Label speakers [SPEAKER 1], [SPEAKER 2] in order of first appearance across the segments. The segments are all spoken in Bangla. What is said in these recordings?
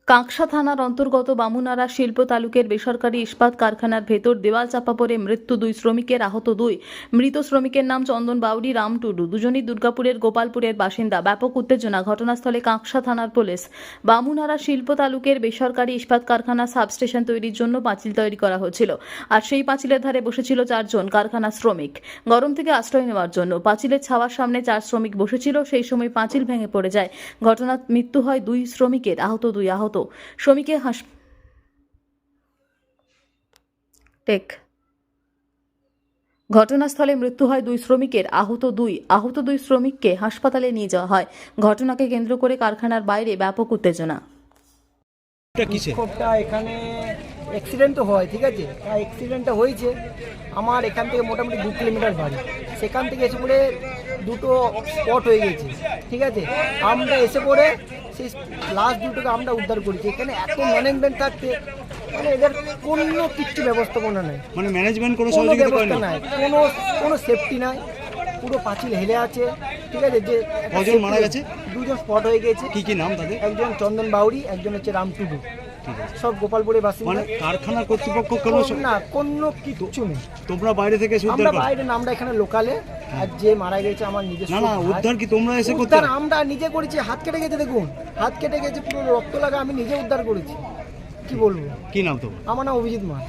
[SPEAKER 1] কাঁকসা থানার অন্তর্গত বামুনারা শিল্প তালুকের বেসরকারি ইস্পাত কারখানার ভেতর দেওয়াল চাপা পড়ে মৃত্যু 2 শ্রমিকের, আহত 2। মৃত শ্রমিকের নাম চন্দন বাউরি, রাম টুডু, দুজনই দুর্গাপুরের গোপালপুরের বাসিন্দা। ব্যাপক উত্তেজনা, ঘটনাস্থলে কাঁকসা থানার পুলিশ। বামুনারা শিল্প তালুকের বেসরকারি ইস্পাত কারখানা সাবস্টেশন তৈরির জন্য পাঁচিল তৈরি করা হচ্ছিল, আর সেই পাঁচিলের ধারে বসেছিল 4 জন কারখানা শ্রমিক গরম থেকে আশ্রয় নেওয়ার জন্য। পাঁচিলের ছাওয়ার সামনে 4 শ্রমিক বসেছিল, সেই সময় পাঁচিল ভেঙে পড়ে যায়। ঘটনায় মৃত্যু হয় 2 শ্রমিকের, আহত 2। শ্রমিকের ঘটনাস্থলে মৃত্যু হয় 2 শ্রমিকের, আহত 2 শ্রমিককে হাসপাতালে নিয়ে যাওয়া হয়। ঘটনাকে কেন্দ্র করে কারখানার বাইরে ব্যাপক উত্তেজনা।
[SPEAKER 2] বিক্ষোভটা এখানে অ্যাক্সিডেন্ট তো হয়, ঠিক আছে, অ্যাক্সিডেন্টটা হয়েছে আমার এখান থেকে মোটামুটি 2 কিলোমিটার বাড়ি। সেখান থেকে এসে পড়ে দুটো স্পট হয়ে গেছে, ঠিক আছে। আমরা এসে পড়ে সেই লাস্ট দুটোকে আমরা উদ্ধার করেছি। এখানে এত ম্যানেজমেন্ট থাকতে মানে এদের কোনো কিচ্ছু ব্যবস্থাপনা নাই,
[SPEAKER 3] মানে ম্যানেজমেন্ট কোনো
[SPEAKER 2] ব্যবস্থা নাই, কোনো সেফটি নাই। পুরো পাঁচিল হেলে আছে, ঠিক আছে। যে
[SPEAKER 3] কজন মারা গেছে?
[SPEAKER 2] 2 জন স্পট হয়ে গেছে।
[SPEAKER 3] কি নাম তাদের?
[SPEAKER 2] একজন চন্দন বাউরি, একজন হচ্ছে রাম টুডু, সব গোপালপুরের বাসিন্দা।
[SPEAKER 3] মানে কারখানার কর্তৃপক্ষ
[SPEAKER 2] কোনো কিচ্ছু নেই।
[SPEAKER 3] তোমরা বাইরে থেকে
[SPEAKER 2] আমরা বাইরে না, আমরা এখানে লোকালে। আর যে মারা গেছে আমার নিজস্ব।
[SPEAKER 3] না উদ্ধার কি তোমরা এসে করতে?
[SPEAKER 2] আমরা নিজে করেছি, হাত কেটে গেছে, দেখুন হাত কেটে গেছে, পুরো রক্ত লাগা, আমি নিজে উদ্ধার করেছি। কি বলবো?
[SPEAKER 3] কি নাম তোমার?
[SPEAKER 2] আমার নাম অভিজিৎ মাস।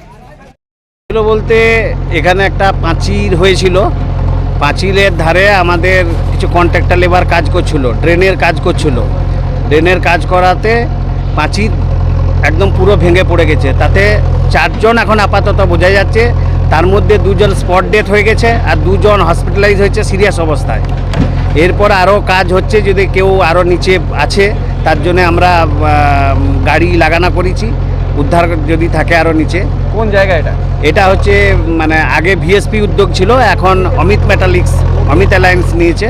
[SPEAKER 4] বলতে এখানে একটা পাঁচিল হয়েছিল, পাঁচিলের ধারে আমাদের কিছু কন্ট্রাক্টর লেবার কাজ করছিল, ড্রেনের কাজ করছিল। ড্রেনের কাজ করাতে পাঁচিল একদম পুরো ভেঙে পড়ে গেছে। তাতে 4 জন এখন আপাতত বোঝা যাচ্ছে, তার মধ্যে 2 জন স্পট ডেথ হয়ে গেছে আর 2 জন হসপিটালাইজ হয়েছে সিরিয়াস অবস্থায়। এরপর আরও কাজ হচ্ছে, যদি কেউ আরও নিচে আছে তার জন্য আমরা গাড়ি লাগানো করেছি, উদ্ধার যদি থাকে আরও নিচে।
[SPEAKER 5] কোন জায়গা এটা?
[SPEAKER 4] এটা হচ্ছে মানে আগে ভিএসপি উদ্যোগ ছিল, এখন অমিত মেটালিক্স, অমিত অ্যালায়েন্স নিয়েছে।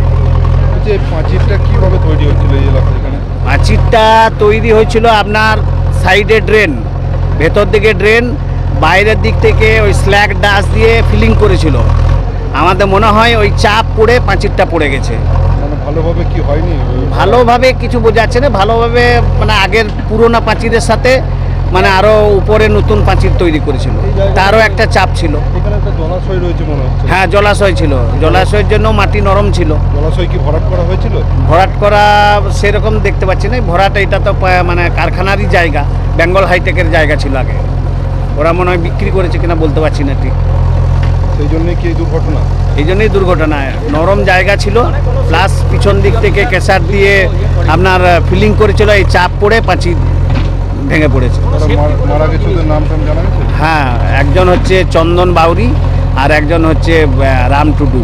[SPEAKER 6] যে পাঁচিলটা কিভাবে তৈরি হচ্ছিল এই এলাকায়? এখানে
[SPEAKER 4] পাঁচিলটা তৈরি হয়েছিল আপনার সাইডে ড্রেন, ভেতর দিকে ড্রেন, বাইরের দিক থেকে ওই স্ল্যাগ ডাস্ট দিয়ে ফিলিং করেছিল। আমাদের মনে হয় ওই চাপ পড়ে পাঁচিলটা পড়ে গেছে।
[SPEAKER 6] মানে ভালোভাবে কি হয়নি?
[SPEAKER 4] ভালোভাবে কিছু বোঝাচ্ছে না, ভালোভাবে মানে আগের পুরোনো পাঁচিলের সাথে মানে আরও উপরে নতুন পাঁচিল তৈরি করেছিল, তারও একটা চাপ ছিল।
[SPEAKER 6] এখানে একটা জলাশয় রয়েছে মনে হচ্ছে।
[SPEAKER 4] হ্যাঁ, জলাশয় ছিল, জলাশয়ের জন্য মাটি নরম ছিল।
[SPEAKER 6] জলাশয় কি ভরাট করা হয়েছিল?
[SPEAKER 4] ভরাট করা সেরকম দেখতে পাচ্ছি না। ভরাট এটা তো মানে কারখানারই জায়গা, বেঙ্গল হাইটেকের জায়গা ছিল আগে, ওরা মনে হয় বিক্রি করেছে কিনা বলতে পারছি না ঠিক।
[SPEAKER 6] সেই জন্যই কি এই দুর্ঘটনা?
[SPEAKER 4] এই জন্যই দুর্ঘটনা। নরম জায়গা ছিল, প্লাস পিছন দিক থেকে কেসার দিয়ে আপনার ফিলিং করেছিল, এই চাপ পড়ে পাঁচিল ভেঙে পড়েছে।
[SPEAKER 6] মারা গেছে, ওদের নাম টাম জানা গেছে?
[SPEAKER 4] হ্যাঁ, একজন হচ্ছে চন্দন বাউরি আর একজন হচ্ছে রাম টুডু,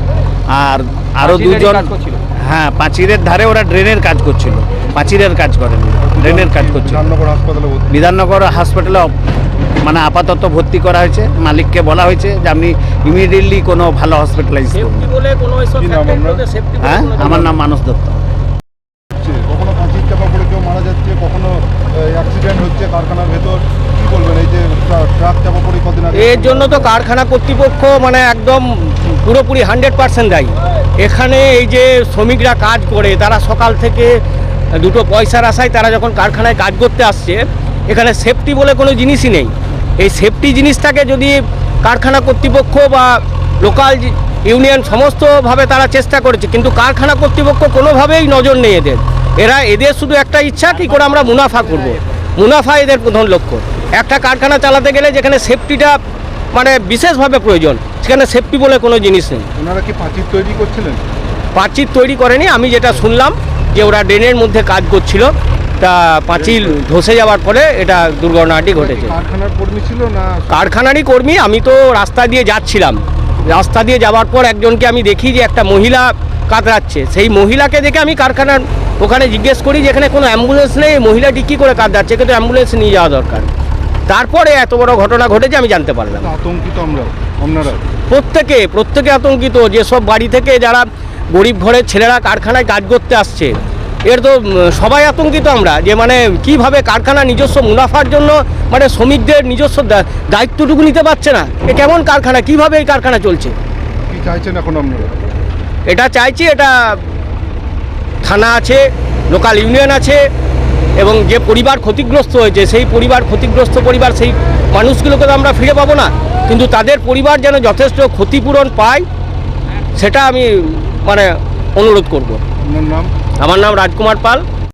[SPEAKER 4] আর আরও 2 জন। হ্যাঁ, পাঁচিলের ধারে ওরা ড্রেনের কাজ করছিল, পাঁচিলের কাজ করেন, ড্রেনের কাজ করছিল। বিধাননগর হাসপাতালে মানে আপাতত ভর্তি করা হয়েছে। মালিককে বলা হয়েছে যে আপনি ইমিডিয়েটলি কোনো ভালো হসপিটালাইজ করুন। হ্যাঁ, আমার নাম মানস দত্ত।
[SPEAKER 6] কখনো পাঁচিল চাপা পড়ে কেউ মারা যাচ্ছে, কখনো অ্যাক্সিডেন্ট হচ্ছে কারখানার ভেতর। কি বলবেন এই যে ট্রাক চাপা পড়ে কদিন আগে?
[SPEAKER 5] এর জন্য তো কারখানা কর্তৃপক্ষ মানে একদম পুরোপুরি 100% দায়ী। এখানে এই যে শ্রমিকরা কাজ করে, তারা সকাল থেকে দুটো পয়সার আশায় তারা যখন কারখানায় কাজ করতে আসছে, এখানে সেফটি বলে কোনো জিনিসই নেই। এই সেফটি জিনিসটাকে যদি কারখানা কর্তৃপক্ষ বা লোকাল ইউনিয়ন সমস্তভাবে তারা চেষ্টা করেছে, কিন্তু কারখানা কর্তৃপক্ষ কোনোভাবেই নজর নেই এদের শুধু একটা ইচ্ছা, কী করে আমরা মুনাফা করব, মুনাফা এদের প্রধান লক্ষ্য। একটা কারখানা চালাতে গেলে যেখানে সেফটিটা মানে বিশেষভাবে প্রয়োজন, সেখানে সেফটি বলে কোনো জিনিস নেই।
[SPEAKER 6] ওনারা কি পাঁচিল তৈরি করছিলেন?
[SPEAKER 5] পাঁচিল তৈরি করেনি, আমি যেটা শুনলাম যে ওরা ড্রেনের মধ্যে কাজ করছিল, তা পাঁচিল ধসে যাওয়ার পরে এটা দুর্ঘটনাটি ঘটেছে।
[SPEAKER 6] কারখানার কর্মী ছিল না?
[SPEAKER 5] কারখানারই কর্মী। আমি তো রাস্তা দিয়ে যাচ্ছিলাম, রাস্তা দিয়ে যাওয়ার পর একজনকে আমি দেখি যে একটা মহিলা কাতরাচ্ছে। সেই মহিলাকে দেখে আমি কারখানার ওখানে জিজ্ঞেস করি যে এখানে কোনো অ্যাম্বুলেন্স নেই, মহিলাটি কী করে কাতরাচ্ছে, কিন্তু অ্যাম্বুলেন্স নিয়ে যাওয়া দরকার। তারপরে এত বড় ঘটনা ঘটেছে আমি জানতে পারলাম।
[SPEAKER 6] আতঙ্কিত আপনারা?
[SPEAKER 5] প্রত্যেকে আতঙ্কিত। যেসব বাড়ি থেকে যারা গরিব ঘরের ছেলেরা কারখানায় কাজ করতে আসছে, এর তো সবাই আতঙ্কিত আমরা, যে মানে কিভাবে কারখানা নিজস্ব মুনাফার জন্য মানে শ্রমিকদের নিজস্ব দায়িত্বটুকু নিতে পারছে না। এ কেমন কারখানা, কিভাবে এই কারখানা চলছে?
[SPEAKER 6] কি চাইছেন এখন আপনারা?
[SPEAKER 5] এটা চাইছি, এটা থানা আছে, লোকাল ইউনিয়ন আছে, এবং যে পরিবার ক্ষতিগ্রস্ত হয়েছে সেই ক্ষতিগ্রস্ত পরিবার সেই মানুষগুলোকে তো আমরা ফিরে পাবো না, কিন্তু তাদের পরিবার যেন যথেষ্ট ক্ষতিপূরণ পায় সেটা আমি মানে অনুরোধ করব।
[SPEAKER 6] আপনার নাম?
[SPEAKER 5] আমার নাম রাজকুমার পাল।